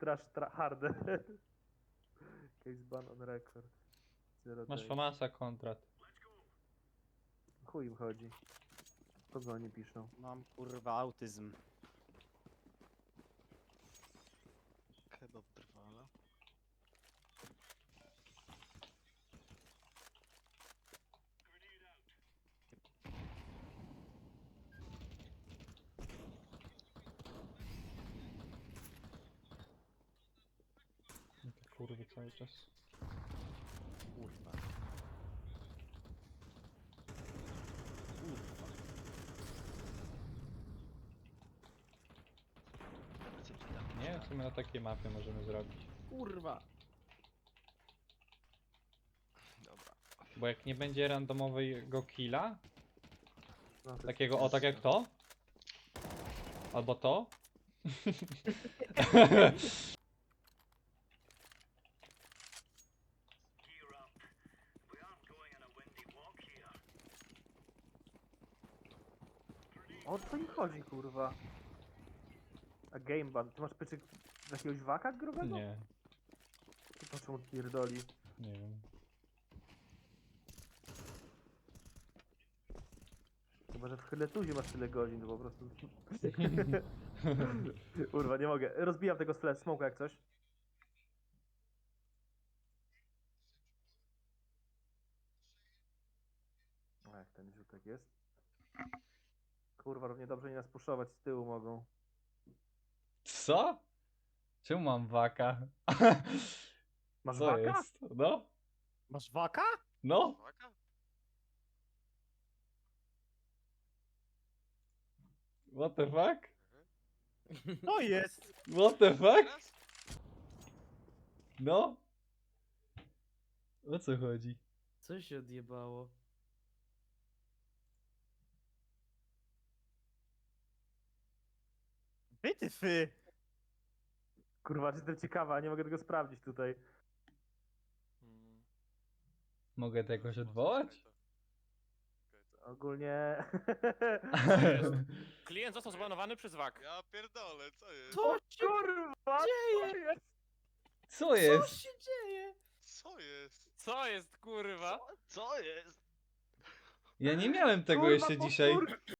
harder. Case ban on record. Zero Masz days. Famasa kontrat. Chuj im chodzi. Kogo oni piszą? Mam kurwa autyzm. Kebab drwala. Te kurwy cały czas. Kurwa. Kurwa. Recepty tam. Nie wiem, co my na takiej mapie możemy zrobić. Kurwa. Dobra. Bo jak nie będzie randomowego killa, No, to jest takiego o tak jak to, albo to, O co im chodzi, kurwa? A game ban. Ty masz pieczyk z jakiegoś waka grubego? nie, To po czemu pierdoli? nie wiem. Chyba, że w Hyletuzie masz tyle godzin, to po prostu... Kurwa, nie mogę. Rozbijam tego flash smoka jak coś. O, jak ten rzutek jest. Kurwa, równie dobrze nie nas puszować z tyłu mogą. Co? Czemu mam waka? Masz Co waka? jest? No? Masz waka? No? Uwaga. What the fuck? To jest! What the fuck? Teraz? No? O co chodzi? Co się odjebało? Wytyfy! Kurwa, jestem ciekawa, nie mogę tego sprawdzić tutaj. Mogę to jakoś odwołać? Ogólnie... Klient został zbanowany przez WAK. Ja pierdolę, co jest? Co się Kurwa! dzieje? Co Co jest? się dzieje? Co jest? Co jest, kurwa? Co jest? Ja nie miałem tego Kurwa, jeszcze dzisiaj. powtórka!